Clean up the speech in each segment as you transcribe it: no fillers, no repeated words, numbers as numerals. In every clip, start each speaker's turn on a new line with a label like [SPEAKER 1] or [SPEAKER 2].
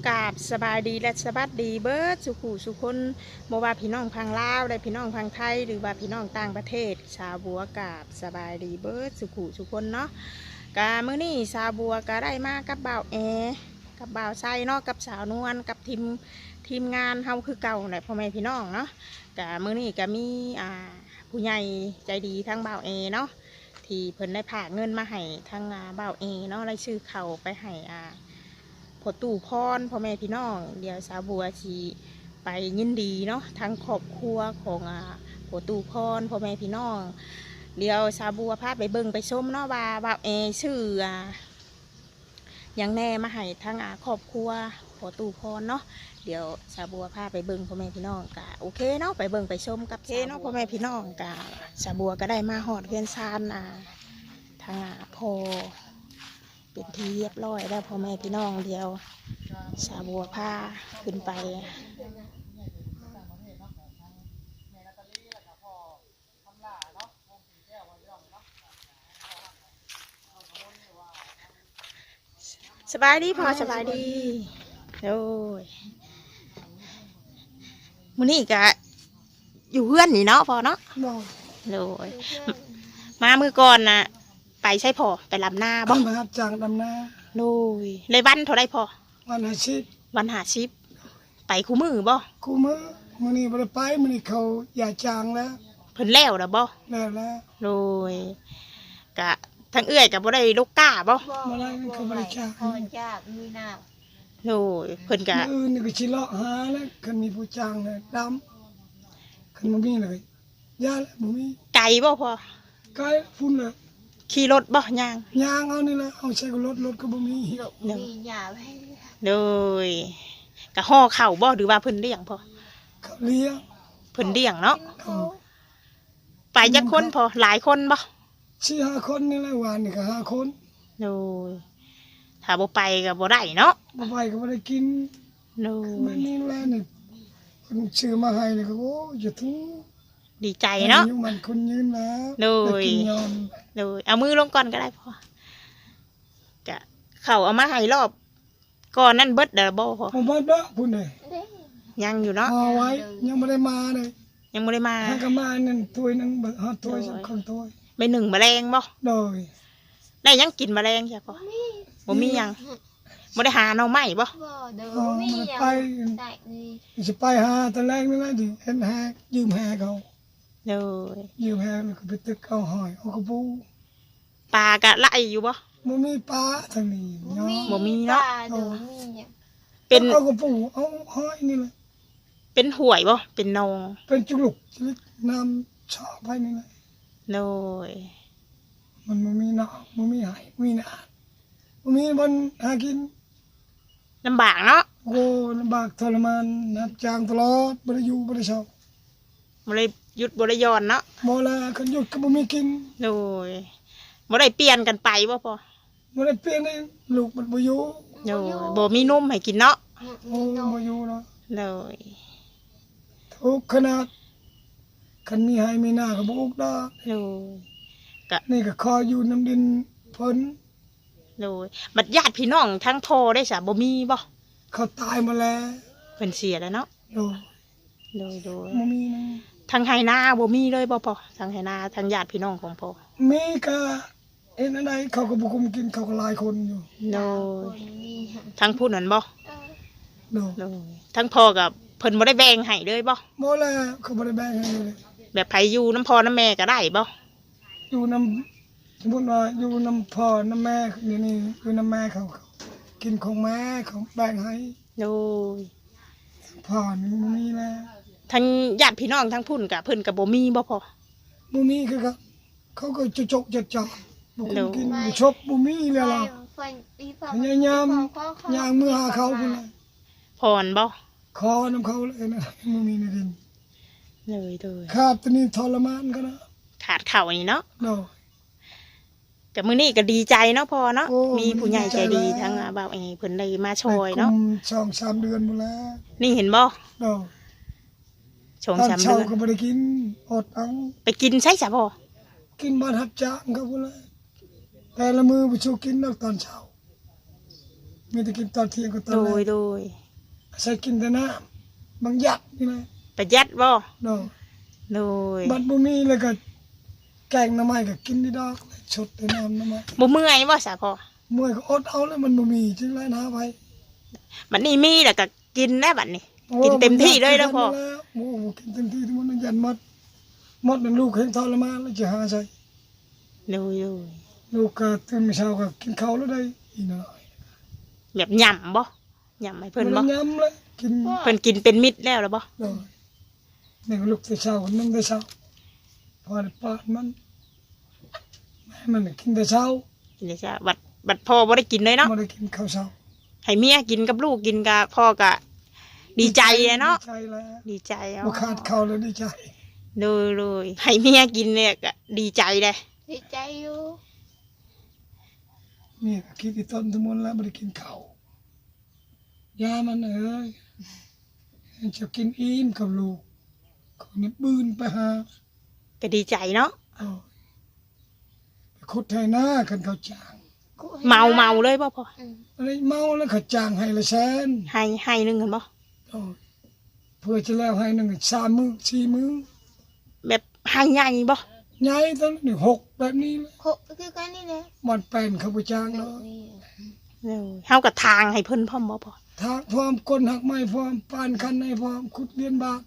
[SPEAKER 1] กราบสบายดีและสวัสดีเบิร์ดสุขุสุคนบ่ว่าพี่น้องพังลาวได้พี่น้องพังไทยหรือว่าพี่น้องต่างประเทศชาวบัวกราบสบายดีเบิร์ดสุขุสุคนเนาะกามื้อนี้ชาวบัวก็ได้มากับบ่าวแอกับบ่าวไซเนาะกับสาวนวลกับทีมงานเฮาคือเก่าแหละพ่อแม่พี่น้องเนาะกามื้อนี้ก็มีผู้ใหญ่ใจดีทั้งบ่าวแอเนาะที่เพิ่นได้ฝากเงินมาให้ทั้งบ่าวแอเนาะได้ชื่อเขาไปให้พอตู่พรพ่อแม่พี่น้องเดี๋ยวสาวบัวชีไปยินดีเนาะทั้งครอบครัวของพอตู่พรพ่อแม่พี่น้องเดี๋ยวสาวบัวพาไปเบิ่งไปชมเนาะว่าบ่าวชื่อยังแน่มาให้ทั้งครอบครัวพอตู่พรเนาะเดี๋ยวสาวบัวพาไปเบิ่งพ่อแม่พี่น้องกะโอเคเนาะไปเบิ่งไปชมกับเนาะพ่อแม่พี่น้องกะสาวบัวก็ได้มาหอดเพื่อนซานทางพอเป็นที่เรียบร้อยแล้วพ่อแม่พี่น้องเดียวสาบัวผ้าขึ้นไปสบายดีพอสบายดีโอ้ยมื้อนี้กะอยู่เพื่อนนี่เนาะพอเนาะโอ้ยมามือก่อนนะไปใช่พอไปลำหน้าบ้าง
[SPEAKER 2] มาครับจากดำนา
[SPEAKER 1] โอ้ยเลยวันเท่าไรพอ
[SPEAKER 2] วันหาชิป
[SPEAKER 1] ไปคู่มือบ่
[SPEAKER 2] คู่มือมื้อนี้บ่ได้ไปมื้อนี้เขาอย่าจางแล้ว
[SPEAKER 1] เพิ่นแล้วบ่
[SPEAKER 2] แล้ว
[SPEAKER 1] โอ้ยกะทั้งเอื้อยกับบ่ได้ลูกก้าบ่
[SPEAKER 2] ได้เขาบ่ได้จาง
[SPEAKER 3] พอจากมีน้
[SPEAKER 1] โอ้ยเพิ่นกะ
[SPEAKER 2] อื่นนี่ก็สิเลาะหาแล้วคันมีผู้จางเลยดำคันบ่มีเลยยาแล้วบ่มี
[SPEAKER 1] ไก่บ่พอ
[SPEAKER 2] ไกลพุ่นเลย
[SPEAKER 1] ขี่รถบ่ย่าง
[SPEAKER 2] เอานี่แหละเอาใช้กับรถก็บ่มี
[SPEAKER 3] มีหยาให้
[SPEAKER 1] โดยกะห่อข้าวบ่หรือว่าเพิ่นเลี้ยงพอ
[SPEAKER 2] เขาเลี้ยง
[SPEAKER 1] เพิ่นเลี้ยงเนาะไปจักคนพอหลายคนบ่
[SPEAKER 2] 4-5 คนนี่แหละวันนี่ก็5 คน
[SPEAKER 1] โดยถ้าบ่ไปก็บ่ได้เนาะ
[SPEAKER 2] บ่ไปก็บ่ได้กิน
[SPEAKER 1] โดย
[SPEAKER 2] นี่แหละนี่คนชื่อมาให้นี่ก็โอ้อย่าทุ
[SPEAKER 1] ดีใจเนาะ
[SPEAKER 2] มันคนยืนแล้ว
[SPEAKER 1] โดยเอามือลงก่อนก็ได้พ่อกะเขาเอามาให้รอบก่อนนั่นเบิดเด้อบ่พ่อ
[SPEAKER 2] ผมว่าเด้อพุ่นเลย
[SPEAKER 1] ยังอยู่เนาะ
[SPEAKER 2] เอาไว้ยังไม่ได้มาเลย
[SPEAKER 1] ยังไม่ได้มา
[SPEAKER 2] ให้ก็มานั่นถ้วยนึงฮอดถ้วยสักคนถ้วย
[SPEAKER 1] ไป1แมลงบ่
[SPEAKER 2] โดย
[SPEAKER 1] ได้ยังกินแมลงใช่พ่อบ่มียังบ่ได้หาหน่อไม้บ่
[SPEAKER 3] เด้อมียังได้
[SPEAKER 2] นี่สิไปหาตะแรงนี่แหละดิเห็นแฮยืมแฮเขายืมแฮแล้วก็ไปตึกเอาหอยเอากระปู
[SPEAKER 1] ปลากะไล่อยู่บ่
[SPEAKER 2] บ่มีปลาทางนี้
[SPEAKER 1] บ่มีเนาะ
[SPEAKER 2] เป็นเอากระปูเอาหอยนี่แหละ
[SPEAKER 1] เป็นห่วยบ่เป็นนอง
[SPEAKER 2] เป็นจุลุกน้ำชอบไปนี่แหละ
[SPEAKER 1] โดย
[SPEAKER 2] มันบ่มีน้ำบ่มีหายมีน้ำบ่มีบนหากิน
[SPEAKER 1] ลำบากเนาะ
[SPEAKER 2] โอ้ลำบากทรมานนับจางตลอดบ่ได้อยู่บ่ได้เช้า
[SPEAKER 1] บ่ได้หยุดบ่ได้ย้อนเนาะ
[SPEAKER 2] บ่ละคันหยุดก็บ่มีกิน
[SPEAKER 1] โดยบ่ได้เปลี่ยนกันไปบ่พอ
[SPEAKER 2] บ่ได้เปลี่ยนเลยลูกมันบ่อยู่
[SPEAKER 1] โดยบ่มีนมให้กินเนาะ
[SPEAKER 2] โอ้บ่อยู่เนาะ
[SPEAKER 1] โดย
[SPEAKER 2] ทุกขนาดคันมีให้มีหน้าก็บ่อุกดอก
[SPEAKER 1] โดยก็
[SPEAKER 2] นี่ก็คออยู่น้ำดินเพิ่น
[SPEAKER 1] โดยบัดญาติพี่น้องทั้งพ่อได้ซะบ่มีบ่
[SPEAKER 2] เขาตายมาแล้ว
[SPEAKER 1] เพิ่นเสียแล้วเนาะ
[SPEAKER 2] โดยบ่มีนะ
[SPEAKER 1] ทางไหนาบ่มีเลยบ่พอทางไหนาทางญาติพี่น้องของพ่อ
[SPEAKER 2] มีก็เห็นอะไรเขาก็บ่คุมกินเขาก็หลายคนอยู่
[SPEAKER 1] โดยทางผู้นั้นบ่
[SPEAKER 2] โดย
[SPEAKER 1] ทั้งพ่อกับเพิ่นบ่ได้แบ่งให้เลยบ่
[SPEAKER 2] แล้วเขาบ่ได้แบ่งให้เลย
[SPEAKER 1] แบบไผอยู่น้ำพ่อน้ำแม่ก็ได้บ่
[SPEAKER 2] อยู่น้ำสมมุติว่าอยู่น้ำพ่อน้ำแม่นี่อยู่น้ำแม่เขากินของแม่เขาแบ่งให้
[SPEAKER 1] โดย
[SPEAKER 2] พ่อนี่บ่มีแล้ว
[SPEAKER 1] ทั้งญาติพี่น้องทั้งพุ่นกับเพิ่นกับบ่มีบ่พอ
[SPEAKER 2] บ่มีคือเขาก็จกจัดจ่อบ่กินบ่ชอบบ่มีแล้วล่ะพยายามย่างมือหาเขาพุ่นน่ะ
[SPEAKER 1] พรบ่
[SPEAKER 2] ขอน้ำเขาเลยนะบ่มีในดิน
[SPEAKER 1] เลย
[SPEAKER 2] ขาดตัวนี้ทรมานก็นะ
[SPEAKER 1] ขาดข้าวนี่เนาะ
[SPEAKER 2] แต่
[SPEAKER 1] มื้อนี้ก็ดีใจเนาะพอเนาะมีผู้ใหญ่ใจดีทั้งบ่าวเพิ่นได้มาช่วยเนาะ
[SPEAKER 2] 2-3 เดือนหมดแล้ว
[SPEAKER 1] นี่เห็นบ่
[SPEAKER 2] ตอนเช้าก็บ่ได้กินอดเอา
[SPEAKER 1] ไปกินใช่จ้ะพ่อ
[SPEAKER 2] กินบ้านรับจ้างเขาพุ่นแหละแต่ละมื้อบ่ชูกินนอกตอนเช้ามีแต่กินตอนเที่ยงกับตอน
[SPEAKER 1] โด
[SPEAKER 2] แร
[SPEAKER 1] ย
[SPEAKER 2] ก
[SPEAKER 1] โดย
[SPEAKER 2] ใส่กินแต่น้ำบางหยัดนี่นะ
[SPEAKER 1] ประหยัดบ่
[SPEAKER 2] เนาะ
[SPEAKER 1] โดย
[SPEAKER 2] บัดบ่มีแล้วก็แกงหน้ำไม้ก็กินได้ดอกชดแต่น้ำหน้ำไม้
[SPEAKER 1] บ่เมื่อยบ่ซะพ่อ
[SPEAKER 2] มวยก็อดเอาแล้วมันบ่มีจึงไรนะไป
[SPEAKER 1] บัดนี้มีแล้วก็กินได้บัดนี้ กินเต็มที่เลยเด้อพ่อ
[SPEAKER 2] โอ้โหกินเต็มที่ทุกมันยันหมดนั่นลูกเห็นทรมานแล้วจะหาใส่
[SPEAKER 1] โดยโดย
[SPEAKER 2] ลูกก็ตื่นเช้าก็กินข้าวแล้วได้อีกหน่อย
[SPEAKER 1] แบบหย่ำบ่หย่ำให้เพิ่นบ่
[SPEAKER 2] มันย้ำเลยกิน
[SPEAKER 1] เพิ่นกินเป็นมิตรแล้วหรือบ่
[SPEAKER 2] เลยนี่ก็ลูกแต่เช้าก็นึ่งแต่เช้าพอได้ปาดมันให้มันกินแต่เช้า
[SPEAKER 1] กินได้จ้ะบัดพ่อบ่ได้กินเลยเนาะ
[SPEAKER 2] ไม่ได้กินข้าวเช้า
[SPEAKER 1] ให้เมียกินกับลูกกินกับพ่อก็ดีใจเลยเนาะ
[SPEAKER 2] ดีใจแล้ว
[SPEAKER 1] ดีใจเอา
[SPEAKER 2] บ่ขาดข้าวเลยดีใจ
[SPEAKER 1] เลยให้เมียกินเนี่ยก็ดีใจเลย
[SPEAKER 3] ดีใจอยู่
[SPEAKER 2] นี่ก็คิดที่ต้นทุมนแล้วไม่ได้กินข้าวยามันเอ้ยจะกินอิ่มกับลูกคนนี้บืนไปหา
[SPEAKER 1] ก็ดีใจเนาะ
[SPEAKER 2] เอาไปขุดไถนากันเขาจ้าง
[SPEAKER 1] เมาเลยบ่พ่อ
[SPEAKER 2] อะไรเมาแล้วเขาจ้างให้ละแสน
[SPEAKER 1] ให้นึงกันบ่
[SPEAKER 2] โอ้ยเพื่อจะแล้วให้หนึ่ง3 มื้อ4 มื้อ
[SPEAKER 1] แบบให้ใหญ่บ่
[SPEAKER 2] ใหญ่ตอนนี้6แบบนี้เลย
[SPEAKER 3] โคคือกันนี่แหละ
[SPEAKER 2] มันเป็นเขาไปจ้างเนาะ
[SPEAKER 1] เฮากับทางให้เพิ่นพร้อมบ่พ่อ
[SPEAKER 2] ทางพร้อมก้นหักไม้พร้อมปานคันในพร้อมขุดเลียนบาท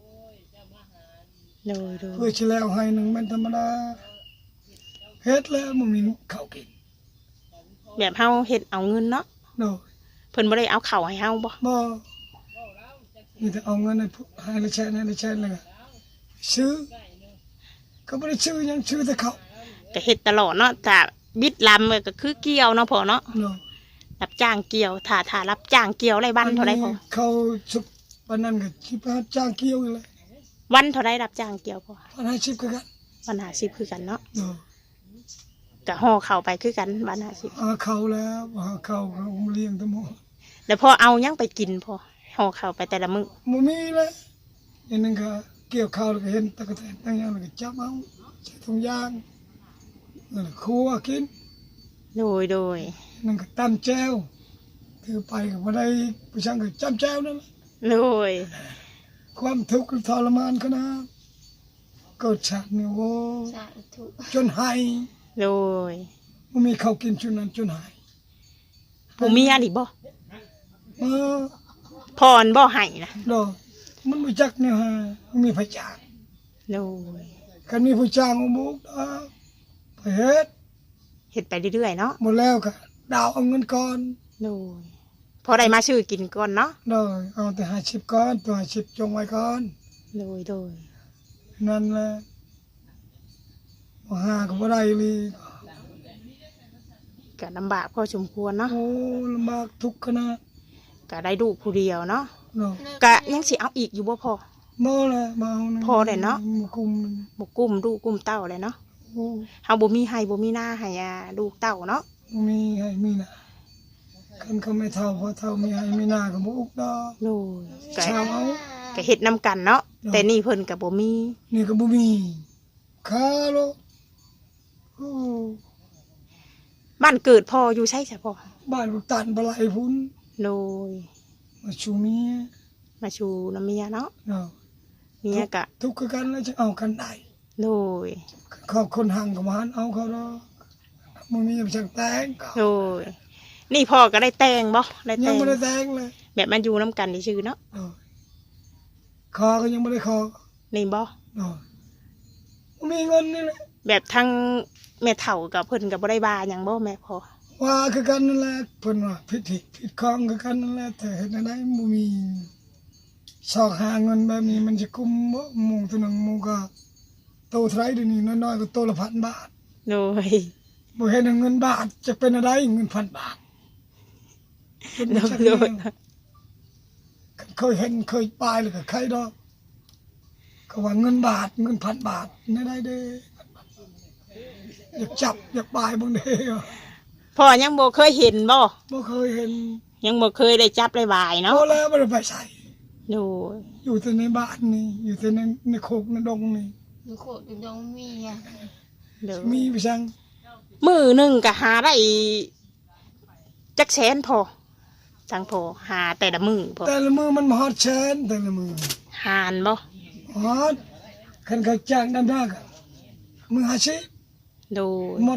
[SPEAKER 1] เลย
[SPEAKER 2] เพื่อจะแล้วให้หนึ่งมันธรรมดาเฮ็ดแล้วมันมีข้าวกิน
[SPEAKER 1] แบบเฮาเฮ็ดเอาเงินเนาะ
[SPEAKER 2] เนาะ
[SPEAKER 1] เพิ่นบ่ได้เอาข้าวให้เฮาบ่
[SPEAKER 2] บ่มีแต่เอาเงินให้ละแสนให้ละแสนเลยก็ซื้อก็ไม่ได้ซื้อหยังซื้อแต่ข้าว
[SPEAKER 1] ก็เฮ็ดตลอดเนาะถ้าบิดลำก็คือเกี่ยวเนาะพ่อเนาะ
[SPEAKER 2] เนาะ
[SPEAKER 1] รับจ้างเกี่ยวถ้ารับจ้างเกี่ยวไรวันเท่าไรพ่อ
[SPEAKER 2] เขาสุกวันนั้นก็สิไปรับจ้างเกี่ยวอยู่เลย
[SPEAKER 1] วันเท่าไรรับจ้างเกี่ยวพ่อ
[SPEAKER 2] 150คือกัน
[SPEAKER 1] วัน50คือกันเนาะ
[SPEAKER 2] เนาะ
[SPEAKER 1] ก็ห่อเข้าไปคือกันวัน50
[SPEAKER 2] หาเขาแล้วหาเขาเขาเลี้ยงทั้งหมด
[SPEAKER 1] แล้วพอเอายังไปกินพ่อห่อเข้าไปแต่ละมื้อ
[SPEAKER 2] บ่มีเลยอันนึงก็เกี่ยวข้าวแล้วก็เห็นตะกะแตนตั้งอย่างแล้วก็จับเอาใส่ถุงยางนั่นแหละครัวกิน
[SPEAKER 1] โดย
[SPEAKER 2] นั่นก็ตำแจ่วถือไปก็บ่ได้ผู้ช่างก็จำแจ่วนั่นแหละ
[SPEAKER 1] โดย
[SPEAKER 2] ความทุกข์ทรมานขนาดเกิดชาตินี่โว้
[SPEAKER 3] สาธุ
[SPEAKER 2] จนหาย
[SPEAKER 1] โดย
[SPEAKER 2] บ่มีข้าวกินจนนั้นจนหาย
[SPEAKER 1] บ่มีอันอีกบ่
[SPEAKER 2] เออ
[SPEAKER 1] พรบ่ให้นะ
[SPEAKER 2] ดอกมันบ่จักเนี่ยฮะมันมีพระจ้าง
[SPEAKER 1] โดย
[SPEAKER 2] คันมีพระจ้างเอาบุกดอกไปเฮ็ด
[SPEAKER 1] เฮ็ดไปเรื่อยๆเนาะ
[SPEAKER 2] หมดแล้วก็ดาวเอาเงินก่อน
[SPEAKER 1] โดยพอได้มาซื้อกินก่อนเนาะ
[SPEAKER 2] ดอกเอาแต่50ก่อนตัว50จงไว้ก่อน
[SPEAKER 1] โดย
[SPEAKER 2] นั่นแหละบ่หาก็บ่ได้เลย
[SPEAKER 1] ก็ลำบากพอสมควรเนาะ
[SPEAKER 2] โอ้ลำบากทุกข์ขนาด
[SPEAKER 1] ก็ได้ลูกผู้เดียวเนาะ
[SPEAKER 2] ดอก
[SPEAKER 1] ก็ยังสิเอาอีกอยู่บ่พอ
[SPEAKER 2] บ่ละบ่เอานะ
[SPEAKER 1] พอได้เนาะ
[SPEAKER 2] บ่คุมมัน
[SPEAKER 1] บ่กุ้มลูกกุ้มเต้าเลยเนาะ
[SPEAKER 2] โอ้
[SPEAKER 1] เฮาบ่มีให้บ่มีหน้าให้ลูกเต้าเนาะ
[SPEAKER 2] บ่มีให้มีน่ะคันเขาไม่เท่าพอเท่ามีให้มีหน้าก็บ่อุกดอก
[SPEAKER 1] โดยก็
[SPEAKER 2] ชาวเอา
[SPEAKER 1] ก็เฮ็ดนํกันเนาะแต่นี่เพิ่นก็บ่มี
[SPEAKER 2] นี่ก็บ่มีคาโลโอ้
[SPEAKER 1] บ้านเกิดพ่ออยู่ใช่จ้ะพ่อ
[SPEAKER 2] บ้านลูกตันบ่ไหลพุ่น
[SPEAKER 1] โดย
[SPEAKER 2] มาชูเมีย
[SPEAKER 1] มาชูน้ำเมียเนาะ
[SPEAKER 2] เนาะ
[SPEAKER 1] เมียก็
[SPEAKER 2] ทุกข์คือกันแล้วจะเอากันได้
[SPEAKER 1] โดย
[SPEAKER 2] เขาคนห่างก็มาหันเอาเขาดอกบ่มีไปจังแต่งก็
[SPEAKER 1] โดยนี่พ่อก็ได้แต่งบ่ได้
[SPEAKER 2] ยั
[SPEAKER 1] แต่
[SPEAKER 2] ง
[SPEAKER 1] ง
[SPEAKER 2] บ่ได้แต่งเลย
[SPEAKER 1] แบบมันอยู่นํกันซื่อๆเนาะ
[SPEAKER 2] เนาะคอก็ยังบ่ได้คอ
[SPEAKER 1] นี่บ่
[SPEAKER 2] เนาะบ่มีเงินนี่แหละ
[SPEAKER 1] แบบทั้งแม่เฒ่ากับเพิ่นก็บ่ได้ว่าหยังบ่แม่พ่อ
[SPEAKER 2] ว่าคือกันนั่นแหละเพิ่นว่าผิดของคือกันนั่นแหละแต่เฮ็ดจังได๋บ่มีซอกหาเงินแบบนี้มันสิคุ้มบ่หมู่ตัวหนึงหมู่ก็โตเท่าไหร่เดี๋ยวนี้น้อยๆก็โตละ1,000 บาท
[SPEAKER 1] โดย
[SPEAKER 2] บ่เห็นเงินบาทจะเป็นอะไรเงิน1,000 บาทเป็น
[SPEAKER 1] โด
[SPEAKER 2] บ่
[SPEAKER 1] ย
[SPEAKER 2] ชัก
[SPEAKER 1] โด
[SPEAKER 2] แน
[SPEAKER 1] ยว
[SPEAKER 2] เคยเห็นเคยปลายเลยก็ใครดอกเขาว่าเงินบาทเงิน1,000 บาทนี่ได้เด้อยากจับอยากปลายเบิ่งเด้อ
[SPEAKER 1] พ่อยังบ่เคยเห็นบ่
[SPEAKER 2] บ่เคยเห็น
[SPEAKER 1] ยังบ่เคยได้จับได้บายเนาะ
[SPEAKER 2] พอแล้วบ่ได้ไปใส่
[SPEAKER 1] โดย
[SPEAKER 2] อยู่แต่ในบ้านนี่อยู่แต่ในโคกในดงนี่
[SPEAKER 3] มีโคตรดงมีอ่ะ
[SPEAKER 1] โดย
[SPEAKER 2] มีไปสั่ง
[SPEAKER 1] มื้อหนึงก็หาได้จักแสนพอทางพอหาแต่ละมือพอ
[SPEAKER 2] แต่ละมือมันมาฮอดแชนแต่ละมือ
[SPEAKER 1] หานบ่
[SPEAKER 2] ฮอดคันเขาจ้างดำหน้าก็มือหาชิ
[SPEAKER 1] โดย
[SPEAKER 2] หมด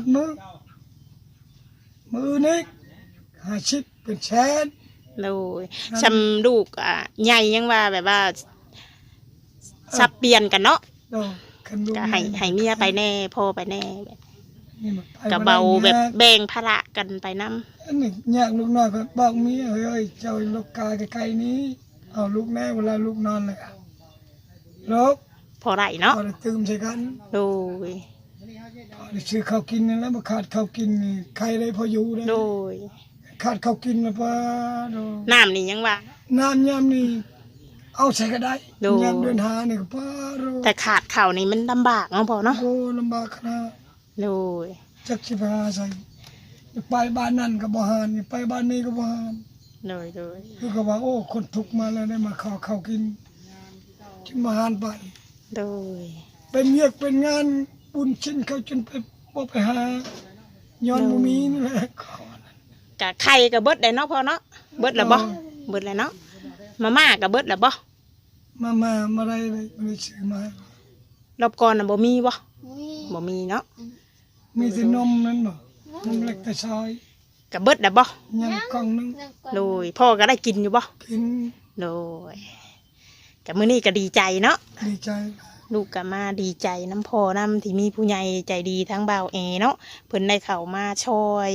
[SPEAKER 2] มือนี้หาชิเป็นแชน
[SPEAKER 1] โดยชำลูกใหญ่ยังว่าแบบว่าสับเปลี่ยนกันเนาะ
[SPEAKER 2] ดอกคันลูก
[SPEAKER 1] ก็ให้เมียไปแน่พ่อไปแน่แบบ
[SPEAKER 2] นี่มันไป
[SPEAKER 1] ก็เบาแบบแบ่งภาระกันไปนํ
[SPEAKER 2] อันนี้ยากลูกน้อยก็บอกเมียเฮ้ยเจ้าลูกกาไกลๆนี้เอาลูกแน่เวลาลูกนอนเลยอะลูก
[SPEAKER 1] พอไรเนาะ
[SPEAKER 2] พอได้ตื่มใช่กัน
[SPEAKER 1] โดย
[SPEAKER 2] พอได้ซื้อข้าวกินนี่แล้วมาขาดข้าวกินนี่ใครได้พออยู่ได้
[SPEAKER 1] โดย
[SPEAKER 2] ขาดข้าวกินแล้วป้าโด
[SPEAKER 1] น้ำนี่ยังว่า
[SPEAKER 2] น้ำยามนี่เอาใส่ก็ได้
[SPEAKER 1] โด
[SPEAKER 2] ยามเดินหานี่ก็ป้าโด
[SPEAKER 1] แต่ขาดเข่าวนี่มันลำบากเนาะพอเนาะ
[SPEAKER 2] โอ้ลำบากขนาด
[SPEAKER 1] โดย
[SPEAKER 2] จักสิไปหาใส่ไปบ้านนั่นก็บ่หานไปบ้านนี้ก็บ่หาน
[SPEAKER 1] โดยโดย
[SPEAKER 2] คือก็ว่าโอ้คนทุกข์มาแล้วได้มาขอข้าวกินจึงมาหานไป
[SPEAKER 1] โดย
[SPEAKER 2] เป็นเวียกเป็นงานบุญชิ้นเขาจนไปบ่ไปหาย้อนบ่มีนี่แหละขอก
[SPEAKER 1] ะไข่กับเบิดได้เนาะพอเนาะเบิดแล้วบ่เบิดแล้วเนาะมาม่ากับเบิดแล้วบ่
[SPEAKER 2] มาได้เลยบ่ได้ซื้อมาให้
[SPEAKER 1] รอบก่อนน่ะบ่มีบ่
[SPEAKER 3] มี
[SPEAKER 1] บ่มีเนาะ
[SPEAKER 2] มีแต่นมนั่นบ่นมเล็กแต่ซอย
[SPEAKER 1] กับเบิดแล้วบ่
[SPEAKER 2] ยังกล่องนึง
[SPEAKER 3] นั่งก่อน
[SPEAKER 1] โดยพ่อก็ได้กินอยู่บ่
[SPEAKER 2] กิน
[SPEAKER 1] โดยกับมื้อนี้ก็ดีใจเนาะ
[SPEAKER 2] ดีใจ
[SPEAKER 1] ลูกก็มาดีใจน้ำพ่อน้ำที่มีผู้ใหญ่ใจดีทั้งบ่าวเอเนาะเพิ่นได้เข้ามาช่วย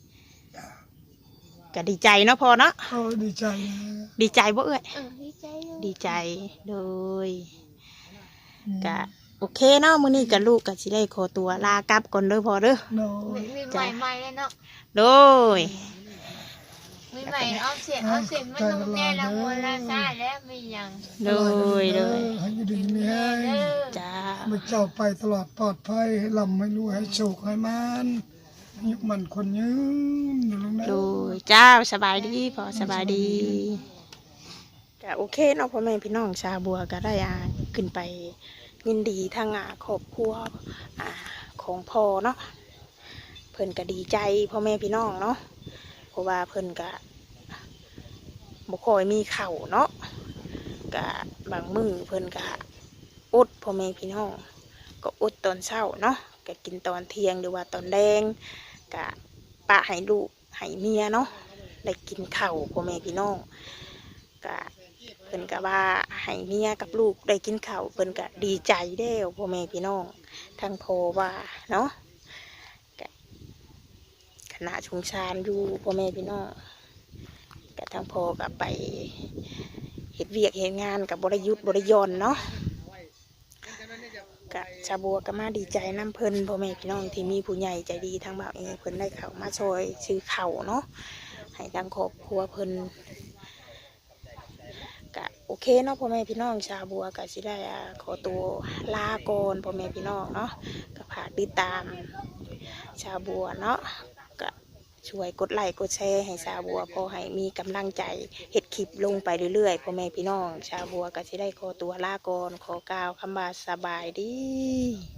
[SPEAKER 1] ก็ดีใจเนาะพ่อเนาะ
[SPEAKER 2] โอ้ดีใจนะ
[SPEAKER 1] ดีใจบ่เอ้ย
[SPEAKER 3] ดีใจอยู่
[SPEAKER 1] ดีใจโดยก็โอเคเนาะมื้อนี้กับลูกก็สิได้ขอตัวลากลับก่อนเด้อพ่อเด้อ
[SPEAKER 2] โน
[SPEAKER 3] มีใหม่เลยเนาะ
[SPEAKER 1] โดย
[SPEAKER 3] มีใหม่เอาเสียงมันลงแน่ละมัวละซ่าแล้วมีอย่าง
[SPEAKER 1] โดยโดย
[SPEAKER 2] ให้อยู่ดีมีให้
[SPEAKER 3] เด้อ
[SPEAKER 1] จ้า
[SPEAKER 2] มาเจ้าไปตลอดปลอดภัยให้ลำให้รวยให้โชคให้มันยุคมันคนยืนอยู่ลงนะ
[SPEAKER 1] โดยจ้าสบายดีพ่อสบายดีก็โอเคเนาะพ่อแม่พี่น้องชาวบัวก็ได้ขึ้นไปยินดีทางครอบครัวของพ่อเนาะเพิ่นก็ดีใจพ่อแม่พี่น้องเนาะเพราะว่าเพิ่นก็บ่ค่อยมีข้าวเนาะก็บางมื้อเพิ่นก็อดพ่อแม่พี่น้องก็อดตอนเช้าเนาะก็กินตอนเที่ยงหรือว่าตอนแดงก็ปะให้ลูกให้เมียเนาะได้กินข้าวพ่อแม่พี่น้องก็เพิ่นก็ว่าให้เมียกับลูกได้กินข้าวเพิ่นก็ดีใจเด้อพ่อแม่พี่น้องทั้งพ่อว่าเนาะก็ขณะสงสารอยู่พ่อแม่พี่น้องก็ทั้งพ่อก็ไปเฮ็ดเวียกเฮ็ดงานกับบริยุทธ์บริยอนเนาะก็ชาวบัวก็มาดีใจน้ำเพิ่นพ่อแม่พี่น้องที่มีผู้ใหญ่ใจดีทั้งบ่าวเองเพิ่นได้เข้ามาช่วยซื้อข้าวเนาะให้ทางครอบครัวเพิ่นก็โอเคเนาะพ่อแม่พี่น้องชาวบัวก็สิได้ขอตัวลาก่อนพ่อแม่พี่น้องเนาะก็ฝากติดตามชาวบัวเนาะก็ช่วยกดไลค์กดแชร์ให้ชาวบัวพอให้มีกำลังใจเฮ็ดคลิปลงไปเรื่อยๆพ่อแม่พี่น้องชาวบัวก็สิได้ขอตัวลาก่อนขอกล่าวคำว่าสบายดี